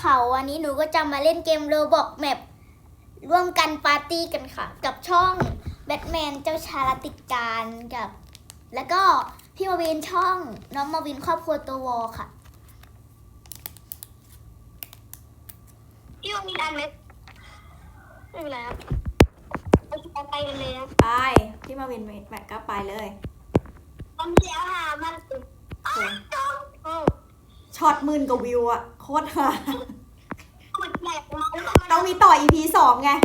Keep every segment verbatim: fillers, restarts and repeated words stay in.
เขาวันนี้หนูก็จะมาเล่นเกมโรบอกแมปร่วมกันปาร์ตี้กันค่ะ กับช่องแบทแมนเจ้าชายรัตติการกับ แล้วก็พี่มาวินช่องน้องมาวินครอบครัวตัววอค่ะพี่วันนี้อันไหมไม่เป็นไรครับไปไปกันเลยครับไปพี่มาวินแมทก็ไปเลยตอนเดียวหามันสุดอ้าวโอ้ช็อตหมื่นกว่าวิวอะโคตรฮามันแหลกมาแล้วต้องมีต่อ อี พี สองไง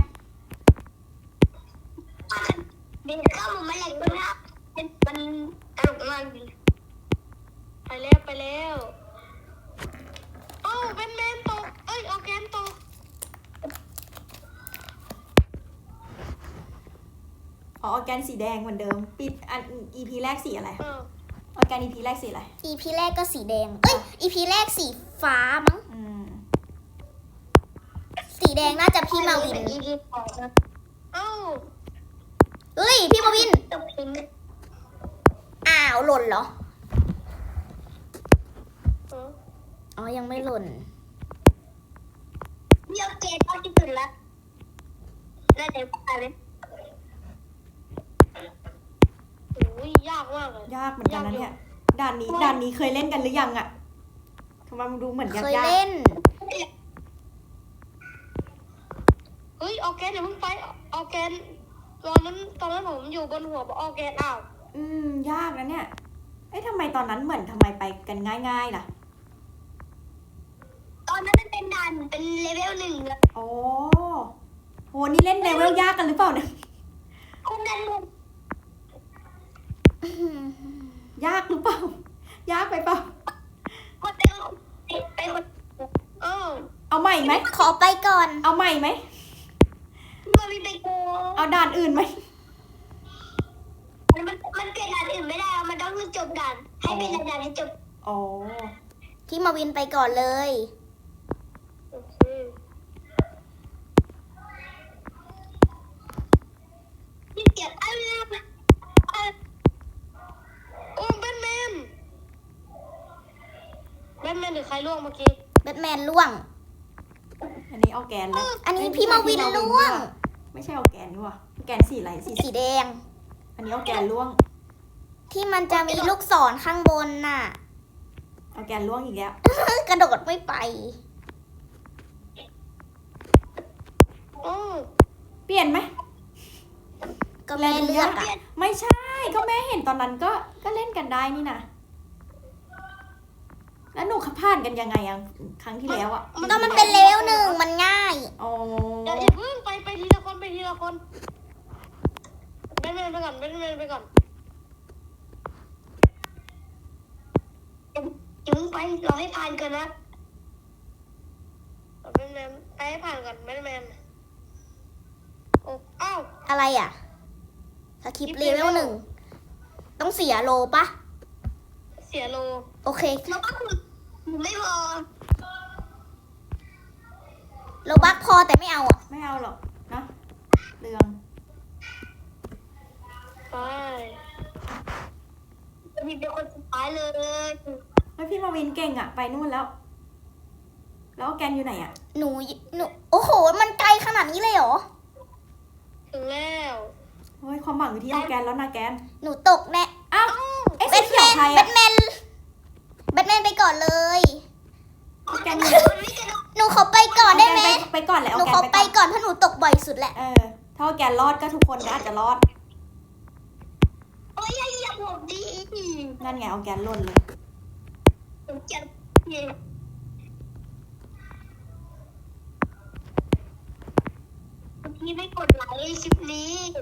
บินเข้ามาแหลกด้วยนะมันตลกมากดีไปแล้วไปแล้วโอ้แบทแมนตกเอ้ยออร์แกนตกอ๋อออร์แกนสีแดงเหมือนเดิมปิดอัน อี พี แรกสีอะไรเออออร์แกน อี พี แรกสีอะไรอีพีแรกก็สีแดง เอ้ย อีพีแรกสีฟ้ามั้งอืมสีแดงน่าจะพี่มาวินอีพีสองนะเอ้าเอ้ย พี่มาวินตกทิ้งอ้าวหล่นเหรอเอออ๋อ ยังไม่หล่นเดี๋ยวเกตเอาที่สุดละน่าจะไปเลยโอ้ยยากมากเลยยากเหมือนกันนะเนี่ย ด่านนี้ด่านนี้เคยเล่นกันหรือยังอะทำไมมันดูเหมือนยากเคยยากเล่นเฮ้ยออร์แกนอย่าเพิ่งไปออร์แกนตอนนั้นตอนนั้นผมอยู่บนหัวออร์แกนอ้าวอืมยากนะเนี่ยเอ้ยทำไมตอนนั้นเหมือนทำไมไปกันง่ายๆล่ะตอนนั้นมันเป็นด่านเป็นเลเวลหนึ่งเลยโอ้โหนี่เล่นเลเวลยากกันหรือเปล่าเนี่ยคุณดันมุมยากหรือเปล่า ยากไปเปล่าคนเป็นไปคนเออเอาใหม่ไหมขอไปก่อนเอาใหม่ไหมเมื่อมีไปโกเอาด่านอื่นไหมมันมันเกิดด่านอื่นไม่ได้มันต้องจบด่านให้เป็นด่านให้จบอ๋อพี่มาวินไปก่อนเลยโอเคนี่เกียดอะไรนะโอ้แบทแมนแบทแมนหรือใครล่วงเมื่อกี้แบทแมนล่วงอันนี้เอาแกนแล้วอันนี้พี่มาวินล่วงไม่ใช่เอาแกนนี่หว่าแกนสีอะไรสีสีแดงอันนี้เอาแกนล่วงที่มันจะมีลูกศรข้างบนน่ะเอาแกนล่วงอีกแล้วกระโดดไม่ไปโอ้เปลี่ยนไหมก็แม่เลือกอ่ะไม่ใช่ก็แม่เห็นตอนนั้นก็ก็เล่นกันได้นี่นะแล้วหนูขับผ่านกันยังไงอะครั้งที่แล้วอะก็มันเป็นเลเวลหนึ่งมันง่ายอ๋อเดี๋ยวอย่าเพิ่งไปไปทีละคนไปทีละคนแบทแมนไปก่อนแบทแมนไปก่อนอย่าเพิ่งไปรอให้ผ่านก่อนนะแบทแมนไปให้ผ่านก่อนแบทแมนโอ้อ้าวอะไรอ่ะสคริปต์เลเวลหนึ่ง ต้องเสียโลปะเสียโลโอเคแล้วก็คือไม่พอโลบักพอแต่ไม่เอาอ่ะไม่เอาหรอกนะเรื่องไปมีเป็นคนสุดท้ายเลยแล้วพี่มาวินเก่งอะไปนู่นแล้ว แล้วเอาแกนอยู่ไหนอะหนู หนู โอ้โห มันไกลขนาดนี้เลยเหรอถึงแล้วเฮ้ยความหวังอยู่ที่เอาแกนแล้วนะแกนหนูตกแน่อ้าวเอ๊ะแบสีทแมเขียวน ใครแบอะทแมน แบทแมนไปก่อนเลยแกนอยู่หนูขอไปก่อนได้ไหมเอาแกนไปไปก่อนแหละหเอานูแกขอน ไปไปก่อนก่อนเพราะหนูตกบ่อยสุดแหละเออถ้าเอาแกนรอดก็ทุกคนก็อาจจะรอดโอ้ยอย่าเหยียบผมดินั่นไงเอาแกนหล่นเลยผมเจ็บเนี่ยพี่ไม่กดไลค์คลิปนี้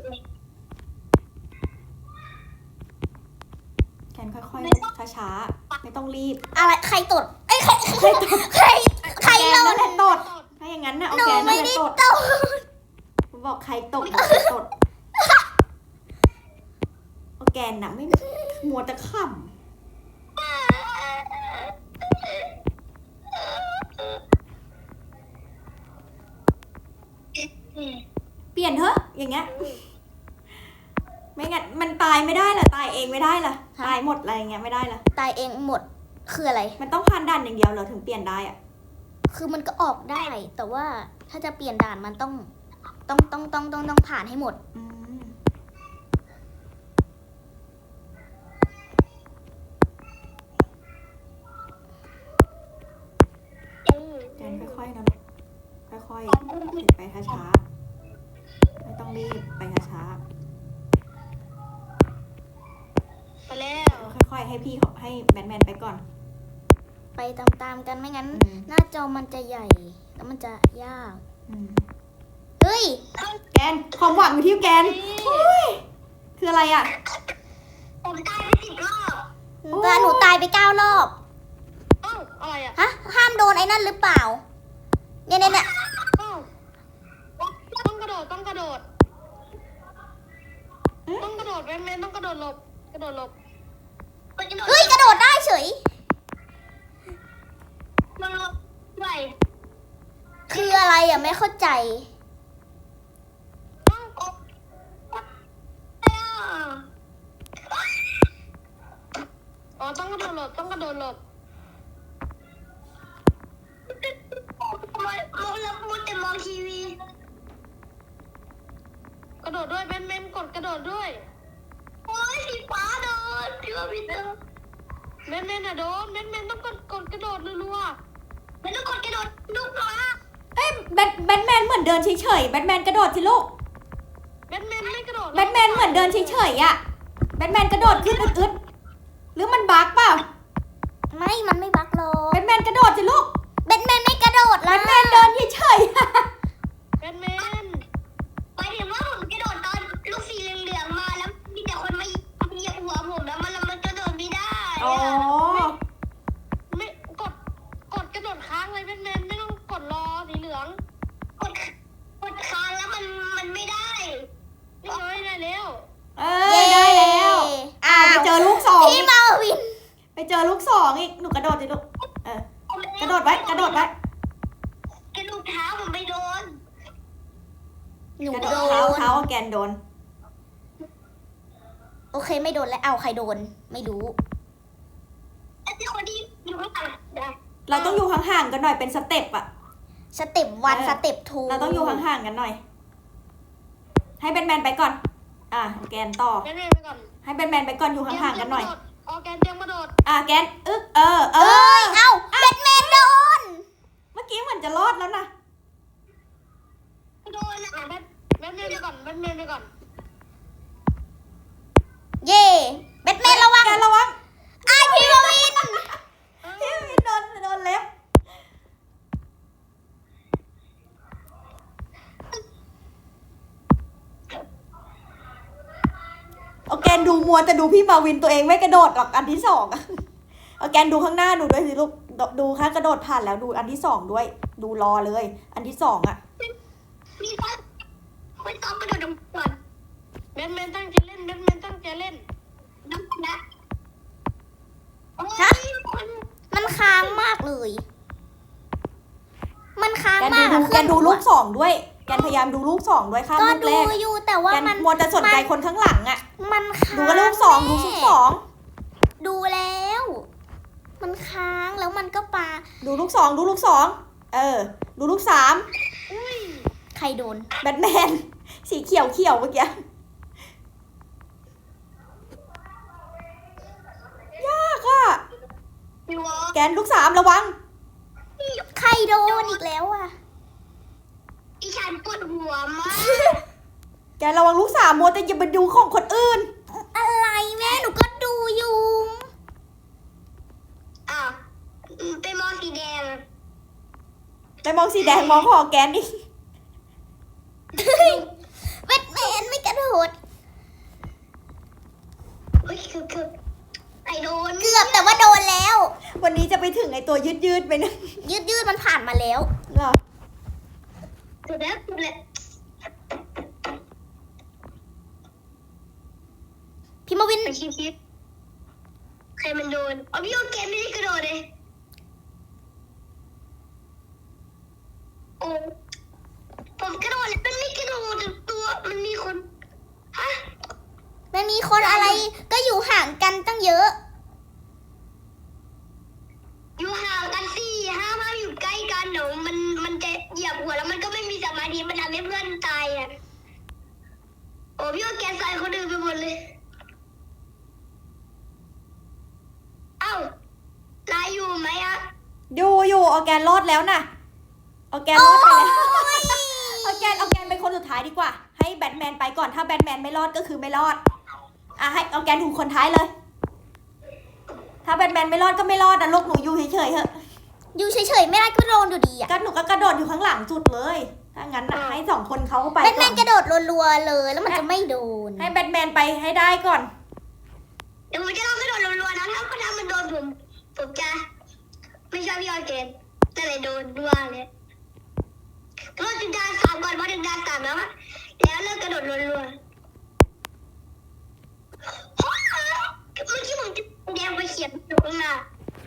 แกนค่อยๆช้าๆไม่ต้องรีบอะไร ใครตดเอ้ย ใคร ใคร ใคร ใครแกเรานนั่นแหละตดถ้าอย่างนั้นนะเอาหนูแกนนั่ไม่นแหละได้ตดตดผมบอกใครตกบอกใครตดเอาแกนน่ะไม่มัวแต่ขำเปลี่ยนเถอะอย่างเงี้ยไม่งั้นมันตายไม่ได้ล่ะตายเองไม่ได้ล่ะตายหมดอะไรอย่างเงี้ยไม่ได้ล่ะตายเองหมด คืออะไรมันต้องผ่านด่านอย่างเดียวเหรอถึงเปลี่ยนได้อะคือมันก็ออกได้ แต่ว่าถ้าจะเปลี่ยนด่านมันต้อง ต้องต้องต้องต้องต้องผ่านให้หมดอืมเออแกนค่อยๆนะลูกค่อยๆไปช้าๆไม่ต้องรีบไปช้าไปแล้วๆค่อยๆให้พี่เขาให้แบทแมนไปก่อนไปตามๆกันไม่งั้นอืมหน้าจอมันจะใหญ่ แล้วมันจะยากอืมเฮ้ยแกนความหวังอยู่ที่แกนเฮ้ยคืออะไรอ่ะผมตายไปสิบรอบแต่หนูตายไปเก้ารอบเอ้าอะไรอ่ะฮะ ห้ามโดนไอ้นั่นหรือเปล่า เนี่ยเนี่ยเนี่ยเอ้าต้องกระโดดต้องกระโดดเอ๊ะต้องกระโดดแมนแมนต้องกระโดดหลบกระโดดหลบเฮ้ย กระโดดได้เฉยมันหลบไหวคืออะไรอ่ะ ไม่เข้าใจเอ้าออกอ๋อต้องกระโดดหลบต้องกระโดดหลบมองมองแล้วมัวแต่มองทีวีกระโดดด้วยแมนแมนกดกระโดดด้วยโอ้ยสีฟ้าโดนพี่ว่าพี่เจอแมนแมนอะโดนแมนแมนต้องกดกดกระโดดรัวๆไม่ต้องกดกระโดดลูกหมาเอ้ยแบทแบทแมนเหมือนเดินเฉยๆแบทแมนกระโดดสิลูกแบทแมนไม่กระโดดแบทแมนเหมือนเดินเฉยๆอ่ะแบทแมนกระโดดขึ้นอึดๆหรือมันบั๊กเปล่าไม่ มันไม่บักหรอแบกทแมนกระโดดสิลูกแบทแมนไม่กระโดดแบแล้วทแมนเดินเฉยๆอะแบทแมนไปถึงว่าผมกระโดดตอนลูกสีเหลืองๆมาแล้วมีแต่คนมาเหยียบหัวผมแล้วมันมันกระโดดไม่ได้อ๋อไม่กดกดกระโดดค้างเลยแบทแมนไม่ต้องกดรอสีเหลืองกดกดค้างแล้วมันมันไม่ได้นี่น้อยได้แล้วเออได้แล้ว อ่าไปเจอลูกสองพี่มาวินไปเจอลูกสองอีกหนูกระโดดสิลูกเออกระโดดไว้กระโดดไว้กระดูกเท้าผมไม่โดนหนูกระโดโดดเท้าน เท้าแกนโดนโอเคไม่โดนแล้ว เอาใครโดน ไม่รู้ไอ้ที่คนที่อยู่ข้างหลังนะเราต้องอยู่ห่างๆกันหน่อยเป็นสเต็ปอะสเต็ปวันเออสเต็ปทูเราต้องอยู่ห่างๆกันหน่อย ให้แบทแมนไปก่อน อ่ะแกนต่อแบทแมนไปก่อนให้แบทแมนไปก่อนอยู่ห่างๆกันหน่อยออแกนเตรียมกระโดดอ่ะแกนอึ๊กเออเอเอ้อยเอ้าแบทแมนโดนเมื่อกี้เหมือนจะรอดแล้วนะโดนนะแบทแบทแมนไปก่อนแบทแมนไปก่อนเย่แบทแมนระวังแกนระวังไอายพี่มาวินพี่วินโดนโดนเล็บเอาแกนดูมัวแต่ดูพี่มาวินตัวเองไม่กระโดดหรอกอันที่สองอะเอาแกนดูข้างหน้าดูด้วยสิลูกดูดูค่ะกระโดดผ่านแล้วดูอันที่สองด้วย ดูรอเลย อันที่สองอะมีฟันไม่ต้องกระโดดลงก่อนแบทแมนตั้งใจเล่นแบทแมนตั้งใจเล่นน้ำนะโอ้ยคนมันค้างมากเลย มันค้างแกนมาดูกดูแกนดูลูกสองด้วย แกนพยายามดูลูกสองด้วยข้ามก็ลูกดูแรกอยู่แต่ว่าแกนมันมัวแต่สนใจคนข้างหลังอะมันค้างดูกันลูกสองดูลูกสองดูแล้ว มันค้างแล้วมันก็ปาดูลูกสองดูลูกสองเออ ดูลูกสามอุ้ยใครโดนแบทแมน สีเขียวเขียวเมื่อกี้ยากอะพี่วอแกนลูกสามระวังใครโดนอีกแล้วอ่ะอีฉันปวดหัวมากแกนระวังลูกสามมัวแต่อย่าไปดูของคนอื่นอะไรแม่หนูก็ดูอยู่อ้าวไปมองสีแดงไปมองสีแดงมองของแกนนี่แบทแมนไม่กระโดดเฮ้ยคือคือไอโดนเกือบแต่ว่าโดนแล้ววันนี้จะไปถึงไอตัวยืดยืดๆไปนะยืดยืดๆมันผ่านมาแล้วเหรอสุดแล้วสุดแล้วพี่มาวินไปคิดคิดใครมันโดนอ๋อพี่โอเกมไม่ได้กระโดดเลยโอ้ผมกระโดดเลยมันไม่กระโดดตัวมันมีคนฮะมันมีคนอะไรก็อยู่ห่างกันตั้งเยอะอยู่ห่างกันสี่ห้ามาอยู่ใกล้กันเดี๋ยวอยู่อยู่ออร์แกนรอดแล้วนะออร์แกนรอดไปแล้วออร์แกนออร์แกนเป็นคนสุดท้ายดีกว่าให้แบทแมนไปก่อนถ้าแบทแมนไม่รอดก็คือไม่รอดอ่ะให้ออร์แกนถูกคนท้ายเลย ถ้าแบทแมนไม่รอดก็ไม่รอดนะลูกหนูอยู่เฉยๆเถอะอยู่เฉยๆไม่ได้ก็โดนอยู่ดีอะก็หนูก็กระโดดอยู่ข้างหลังสุดเลยถ้างั้นนะให้สองคนเขาไปแบทแมก่อนนกระโดดรัวๆเลยแล้วมันจะไม่โดนให้แบทแมนไปให้ได้ก่อนเดี๋ยวผมจะลองกระโดดรัวๆนะถ้าถ้ามันโดนผมผมจะไม่ชอบพี่ออร์แกนแต่เลยโดนด้วยเลยกระโดดถึงดานสามก่อนพอถึงดานสามแล้วอะแล้วเลิกกระโดดรัวๆเมื่อกี้ผมจะแดงไปเขียนอยู่ข้างหน้า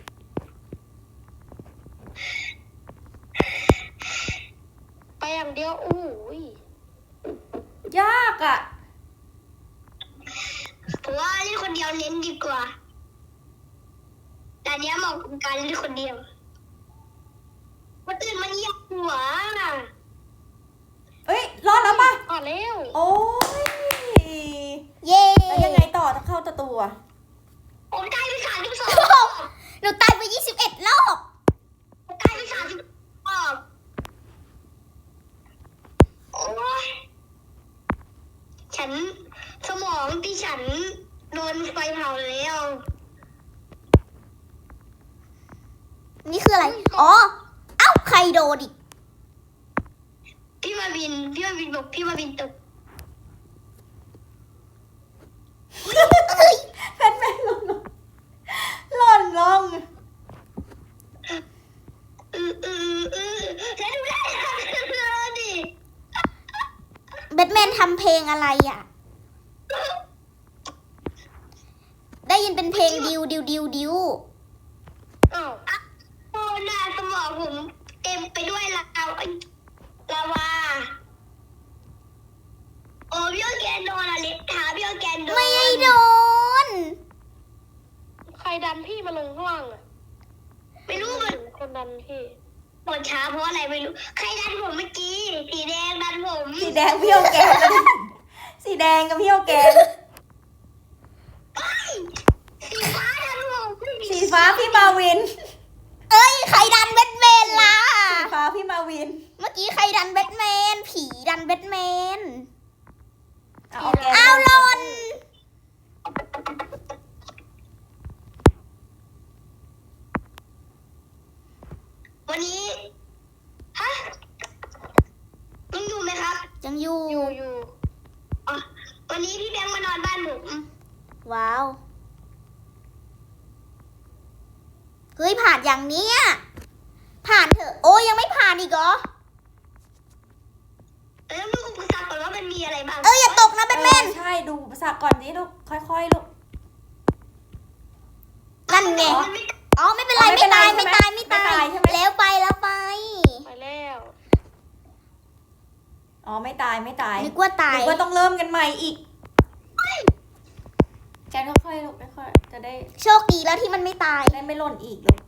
ไปอย่างเดียวโอ้ยยากอ่ะผมว่าเล่นคนเดียวเน้นดีกว่าแต่เนี้ยเหมาะกับการเล่นคนเดียวคนอื่นมันเหยียบหัวเอ้ยรอดแล้วป่ะอ่อนเร็วโอ้ยเย้แล้วยังไงต่อต้องเข้าประตูอะผมตายไปสามสิบสองหนูตายไปยี่สิบเอ็ดรอบผมตายไปสามสิบรอบโอ้ยฉันสมองที่ฉันโดนไฟเผาแล้วนี่คืออะไรอ๋อเอ้าใครโดนอีกพี่มาบินพี่มาบินบอกพี่มาบินตกแบทแมนหล่นลงหล่นลงอืออืออือฉันดูได้แล้วดิแบทแมนทำเพลงอะไรอ่ะ ได้ยินเป็นเพลงดิวดิวดิวดิวอ้าวโอ้หน้าสมองผมเต็มไปด้วยลาวลาวาโอ้พี่โอแกนโดนอะไรถามพี่โอแกนโดนไม่ได้โดนใครดันพี่มาลงข้างล่างอะไม่รู้มันคนดันพี่ปวดช้าเพราะอะไรไม่รู้ใครดันผมเมื่อกี้สีแดงดันผมสีแดงพี่โอแกนสีแดงกับพี่โอแกนสีฟ้าดันผมสีฟ้าพี่มาวินเอ้ยใครดันแบทแมนล่ะสีฟ้าพี่มาวินเมื่อกี้ใครดันแบทแมน ผีดันแบทแมนเอาโอแกนอ้าวหล่นวันนี้ฮะยังอยู่ไหมครับยังอยู่อยู่อยู่อ๋อวันนี้พี่แบงค์มานอนบ้านผมว้าว เฮ้ยผ่านอย่างเนี้ยผ่านเถอะ โอ้ยยังไม่ผ่านอีกเหรอแล้วมึงอุปสรรคก่อนว่ามันมีอะไรบ้างเอ้ยอย่าตกนะแบทแมนเออใช่ดูภาษาก่อนนี้ลูกค่อยๆลูกนั่นไงมันไม่อ๋อไม่เป็นไรอ๋อไม่ไม่เป็นไรตายใช่ไหมไม่ตายไม่ตาไม่ตายยใช่ไหมแล้วไปแล้วไปไปแล้วอ๋อไม่ตายไม่ตายนึกว่าตายนึกว่าต้องเริ่มกันใหม่อีกแกนค่อยๆลูกค่อยๆจะได้โชคดีแล้วที่มันไม่ตายได้ไม่หล่นอีกลูก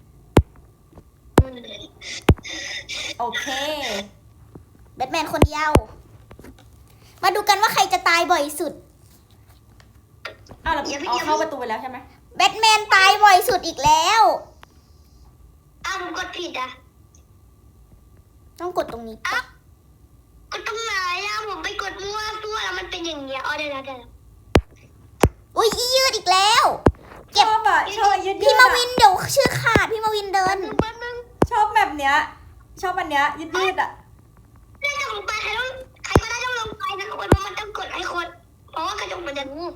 โอเคแบทแมนคนเดียว มาดูกันว่าใครจะตายบ่อยสุดอ้าวเราเอาเข้าประตูไปแล้วใช่ไหมแบทแมนตายบ่อยสุดอีกแล้วอ้าวผมกดผิดอ่ะต้องกดตรงนี้ก่อนกดตรงไหนอ่ะผมไปกดมั่วตัวแล้วมันเป็นอย่างเงี้ยอ๋อเดี๋ยวนะเดี๋ยวนะอุ้ยอียืดอีกแล้ว เก็ชบอบอ่ะชอบยืดๆพี่มาอะวินเดี๋ยวชื่อขาดพี่มาวินเดินแป๊บนึงชอบแบบเนี้ย ชอบอันเนี้ยยืดยืดๆอ่ะน่าจะลงไปใครต้องใครก็ได้ต้องลงไปนะทุกคนเพราะมันต้องกดให้คนเพราะว่ากระจกมันจะงู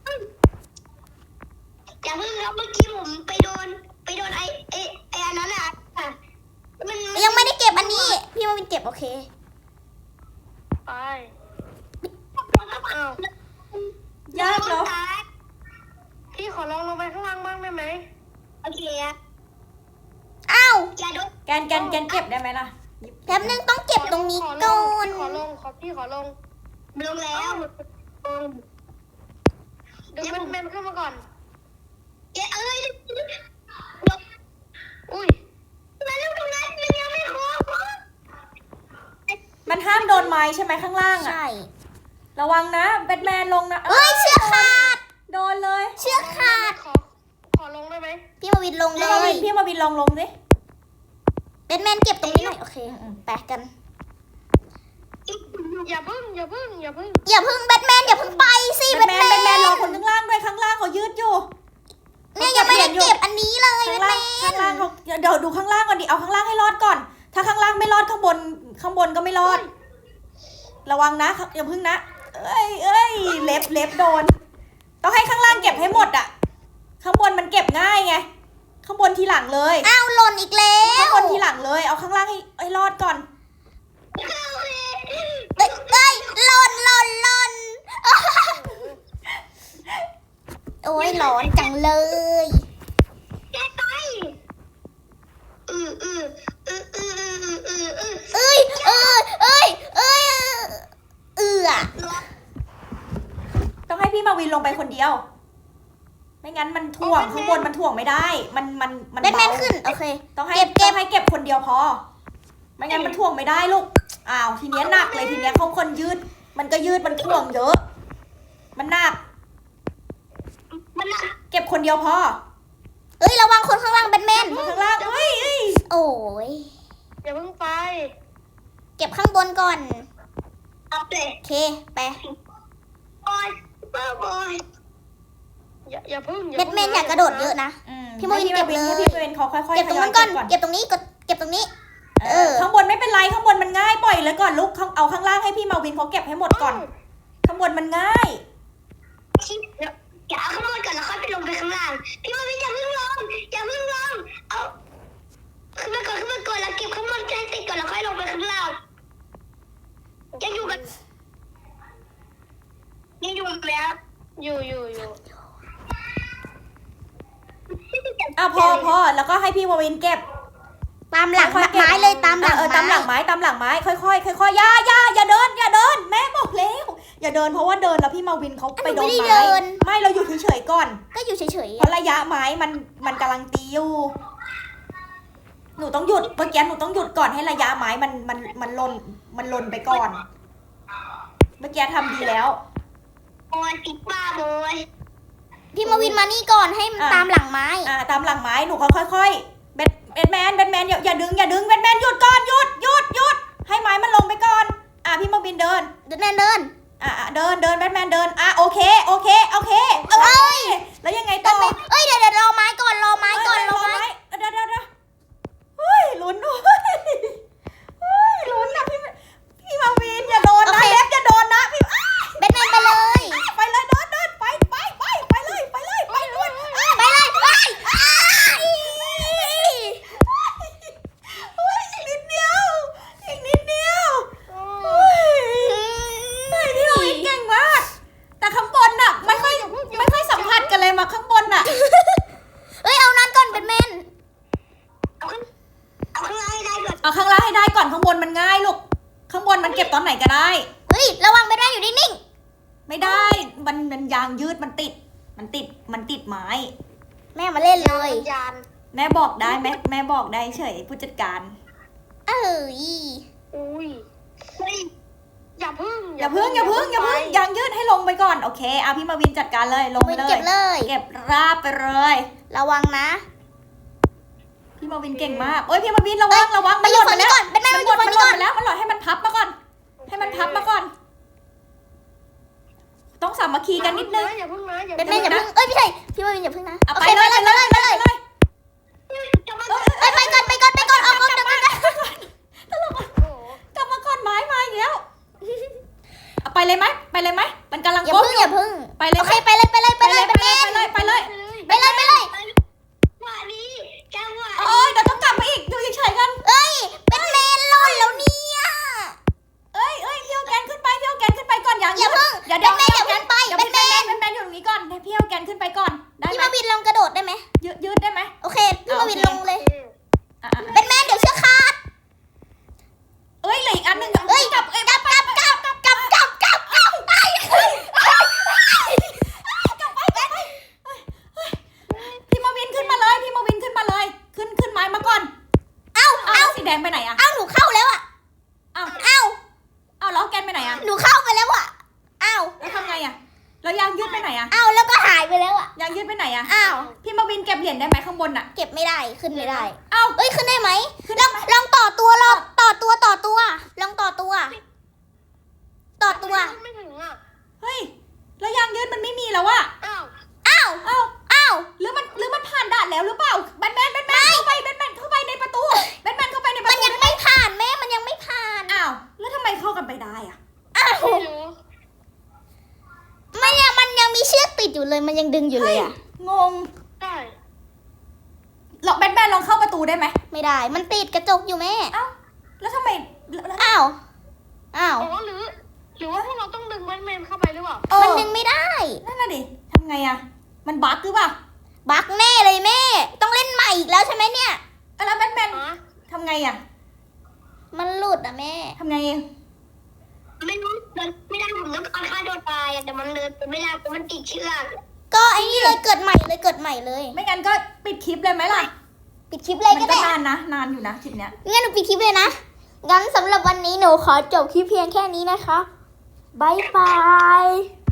อย่าเพิ่งครับเมื่อกี้ผมไปโดนไปโดนไอ้ไอ้ไอ้อันนั้นอ่ะมันยังไม่ได้เก็บอันนี้ พี่มาวินเก็บโอเคไปอ้าวยากเนาะพี่ขอลองลงไปข้างล่างบ้างได้ไหมโอเคอะอ้าวอย่าโดนแกนแกนแกนเก็บได้ไหมล่ะแป๊บนึงต้องเก็บตรงนี้ก่อนขอลงขอพี่ขอลงลงแล้วเดี๋ยวมันเป็นขึ้นมาก่อนเอ้ยอุ้ยมาเร็วตรงนั้นมันยังไม่ครบมันห้ามโดนไม้ใช่ไหมข้างล่างอ่ะใช่ระวังนะแบทแมนลงนะเอ้ยเชือกขาดโดนเลยเชือกขาดขอขอลงได้ไหมพี่มาวินลงเลพี่มาวิยนพี่มาวินลองลงสิแบทแมนเก็บตรงนี้หน่อยโอเคแปะกันอย่าพึ่งอย่าพึ่งอย่าพึ่งอย่าเพึ่งแบทแมนอย่าเพึ่งไปสิแบแบททแมนแมแบทแมนนรอคนข้างล่างด้วยข้างล่างเขายืดอยู่เนี่ยยังไม่ได้เก็บอันนี้เลยแบข้างทแมล่างข้างล่างนเขาเดี๋ยวดูข้างล่างก่อนดิเอาข้างล่างให้รอดก่อน ถ้าข้างล่างไม่รอดข้างบนข้างบนก็ไม่รอด ระวังนะอย่าพึ่งนะเอ้ยเอ้ยเล็บเล็บโดน ต้องให้ข้างล่างเก็บให้หมดอ่ะ ข้างบนมันเก็บง่ายไง ข้างบนทีหลังเลยอ้าวหล่นอีกแล้ข้างวบนทีหลังเลย เอาข้างล่างให้ให้รอดก่อนเอ้ยเอ้ยหล่นหล่นหล่นโอ้ยร้อนจังเลยแกไปอืออืออืออืออืออืออือเอ้ยเอ้ยเอ้ยเอ้ยเอือต้องให้พี่มาวินลงไปคนเดียว ไม่งั้นมันถ่วงข้างบนมันถ่วงไม่ได้ มันมันมันแบทแมนเบาขึ้นโอเคต้องให้เก็บเก็บต้องให้เก็บคนเดียวพอ ไม่งั้นมันถ่วงไม่ได้ลูก อ้าวทีเนี้ยหนักเลยทีเนี้ยเขาคนยืด มันก็ยืดมันถ่วงเยอะ มันหนักมันน่ะเก็บคนเดียวพอเอ้ยระวังคนข้างล่างแบทแมนข้างล่างเฮ้ยเอ้ยโอ้ยอย่าพึ่งไปเก็บข้างบนก่อนเอาเลยโอเคไปโอ้ยบ้าบอยอย่าอย่าพึ่งแบทแมนอยากกระโดดเยอะนะอืพี่มาวินเก็บเลยให้พี่มาวินเขาค่อยๆเก็บตรงนั้นทก่ยอนยเก็บตรงนี้กดเก็บตรงนี้เอเอออข้างบนไม่เป็นไรข้างบนมันง่ายปล่อยเลยก่อนลูกข้างเอาข้างล่างให้พี่มาวินเขาเก็บให้หมดก่อน ข้างบนมันง่ายอย่าเอาข้างบนก่อนแล้วค่อยไปลงไปข้างล่างพี่มาวินอย่าเพิ่งลงอย่าเพิ่งลงเอาขึ้นมาก่อนขึ้นมาก่อนแล้วเก็บข้างบนใจติดก่อนแล้วค่อยลงไปข้างล่างยังอยู่กันยังอยู่กันแล้วอยู่อยู่อยู่อ่ะพอพอแล้วก็ให้พี่มาวินเก็บตามหลังค่อยๆเก็บไม้เลยตามหลังเออตามหลังไม้ไม้ตามหลังไม้ค่อยๆค่อยๆอย่าอย่าอย่าเดินอย่าเดินแม่บอกแล้วอย่าเดินเพราะว่าเดินแล้วพี่มาวินเขาไปโดนไม้ไม่เราอยู่เฉยๆก่อนก็อยู่เฉยๆเพราะระยะไม้มันมันกำลังตีอยู่หนูต้องหยุดเมื่อกี้หนูต้องหยุดก่อนให้ระยะไม้มันมันมันลนมันลนไปก่อน เมื่อกี้ทำดีแล้วโอ้ยติดบ้าโอยพี่มาวินมานี่ก่อนให้มันอ่ะตามหลังไม้อ่าตามหลังไม้หนูค่อยๆแบทแบทแมนแบทแมนอย่าอย่าดึงอย่าดึงแบทแมนหยุดก่อนหยุดหยุดหยุดให้ไม้มันลงไปก่อน อ่ะพี่มาวินเดินเดินเดินอ่ะอ่ะเดินเดินแบทแมนเดินอ่ะโอเคโอเคโอเคเอ้ยแล้วยังไงแบต่ทอแมนเอ้ยเดี๋ยวเดี๋ยวรอไม้ก่อนรอไม้ก่อนรอไม้เดี๋ยวเดี๋ยวเดี๋ยวเฮ้ยลุ้นด้วยเฮ้ยลุ้นนะพี่พี่มาวินอย่าโดนนะเล็บอย่าโดนนะพี่อ้ายแบทแมนไปเลยไปเลยเดินเดินไปไปไปไปเลยไปเลยไปเลยอ้ายไปเลยไปอ้ายเฮ้ยอีกนิดเดียวอีกนิดเดียวเฮ้ยเฮ้ยพี่มาวินเก่งมากแต่ข้างบนน่ะไม่ค่อยไม่ค่อยสัมผัสกันเลยมาข้างบนน่ะเอ้ยเอานั้นก่อนแบทแมนเอาข้างเอาข้างล่างให้ได้ก่อนเอาข้างล่างให้ได้ก่อนข้างบนมันง่ายลูกข้างบนมันเก็บตอนไหนก็ได้เฮ้ยระวังแบทแมนอยู่นิ่งไม่ได้ มันมันยางยืดมันติด มันติด มันติดไม้ๆแม่มาเล่นเลยยานแม่บอกได้แม่แม่บอกได้เฉยผู้จัดการเอ้ยอุ้ยเฮ้ยอย่าพึ่งอย่าพึ่งอย่าพึ่งอย่าพึ่งยางยืดให้ลงไปก่อน โอเคเอาพี่มาวินจัดการเลย ลงวินเลเก็ยบเลยเก็บราบไปเลยระวังนะพี่มาวินเก่งมาก โอ้ยพี่มาวินระวังระวังไปอยู่ฝั่งนี้ก่อนแบทแมนมัมาน อหล่ยู่นฝั่งมันนี้หล่ก่อน นไปแล้วมันหล่นให้มันพับมาก่อน ให้มันพับมาก่อน ต้องสามัคคีกันนิดนึงอย่าพึ่งนะอย่าแบพึ่ทงแมนอย่าเพิ่งเอ้ยไม่ใช่พี่มาวินอย่าเพิ่งนะเอาโอไปเคเลไปยเลไปยเลไปยเลยไปไปเลเลยยจะมาเอ้ยเอ้ยไปก่อนไปก่อนไปก่อนออกก่อนเดี๋ยวกันโอ้กลับมาก่อนไม้มาอีกแล้วเอาไปเลยไหมไปเลยไหมมันกำลังอย่าก้มเพิ่งออยู่ ย่าเพิ่งไปเลยโอไหมเคไปเลยไปเลยไปไปเลเลย ยแบไปทแมเลยนไปเลยไปเลยไปเลยไปเลยว่านี้จังหวะโอ้ยเดี๋ยวต้องกลับมาอีกอยู่เฉยๆกันเอ้ยแบทแมนหล่นแล้วเนี่ยเอ้ยเอ้ยพี่เอาแกนขึ้นไปพี่เอาแกนขึ้นไปก่อนอย่างอย่าเพิ่งเดี๋ยวเดี๋ยวแบทแมนอย่าเพิ่งไปเดี๋ยวแบพี่ทแมแมนนแมนแมนอยู่ตรงนี้ก่อนให้พี่เอาแกนขึ้นไปก่อนได้พี่ไหมมาวินลองกระโดดได้ไหมยืดยืดได้ไหมโอเคพี่มาวินลงเลยอ่ะอ่ะแบทแมนเดี๋ยวเชือกขาดเอ้ยเหลืออีกอันหนึ่งเอ้ยกลับเอ้ยกลับกลับกลับกลับกลับกลับกลับไปพี่มาวินขึ้นมาเลยพี่มาวินขึ้นมาเลย ขึ้นขึ้นไม้มาก่อนเอ้าเอาเอ้าสีแดงไปไหนอะเอ้าหนูเข้าแล้วอ่ะเอาเอ้าเอาแล้วแกนไปไหนอะหนูเข้าไปแล้วอ่ะเอ้าแล้วทำไงอะแล้วยางยืดไปไหนอะเอ้าแล้วก็หายไปแล้วอ่ะยางยืดไปไหนอะอ้าวพี่มาวินเก็บเหรียญได้ไหมข้างบนอะเก็บไม่ได้ขึ้นไม่ได้เอาเอ้ยขึ้นได้ไหมลองลองแล้วอะอ้าวอ้าวเอ้าอ้าวหรือมันหรือมันผ่านด่านแล้วหรือเปล่าแบทแมนแบทแมนเข้าไปแบทแมนเข้าไปในประตูแบทแมนเข้าไปในประมันตูยังไม่ผ่านแม่มันยังไม่ผ่านอ้าวแล้วทำไมเข้ากันไปได้อะอ้าวไม่รู้มันยังมันยังมีเชือกติดอยู่เลยมันยังดึงอยู่เลยอ่ะงงได้ลองแบทแมนลองเข้าประตูได้ไหมไม่ได้มันติดกระจกอยู่แม่เอ้าแล้วทำไมแล้วแล้วอ้าวอ้าวอ๋อหรือ หรือว่าพวกเราต้องดึงแบทแมนเข้าไปหรือเปล่าเออมันดึงไม่ได้นั่นน่ะดิทำไงอะมันบั๊กหรือเปล่าบั๊กแน่เลยแม่ ต้องเล่นใหม่อีกแล้วใช่ไหมเนี่ยเอ้าแล้วแบทแมนฮะทำไงอะมันหลุดอ่ะแม่ทำไงเองไม่รู้เดินไม่ได้ผมต้องการฆ่าตัวตายอะแต่มันเดินไปไม่ได้เพราะมันติดเชือกก็ไอ้นี่เลยเกิดใหม่เลยเกิดใหม่เลยไม่งั้นก็ปิดคลิปเลยไหมล่ะปิดคลิปเลยมัก็ก็ได้นานนะนานอยู่นะคลิปเนี้ยงั้นหนูปิดคลิปเลยนะ งั้นสำหรับวันนี้หนูขอจบคลิปเพียงแค่นี้นะคะ บ๊ายบาย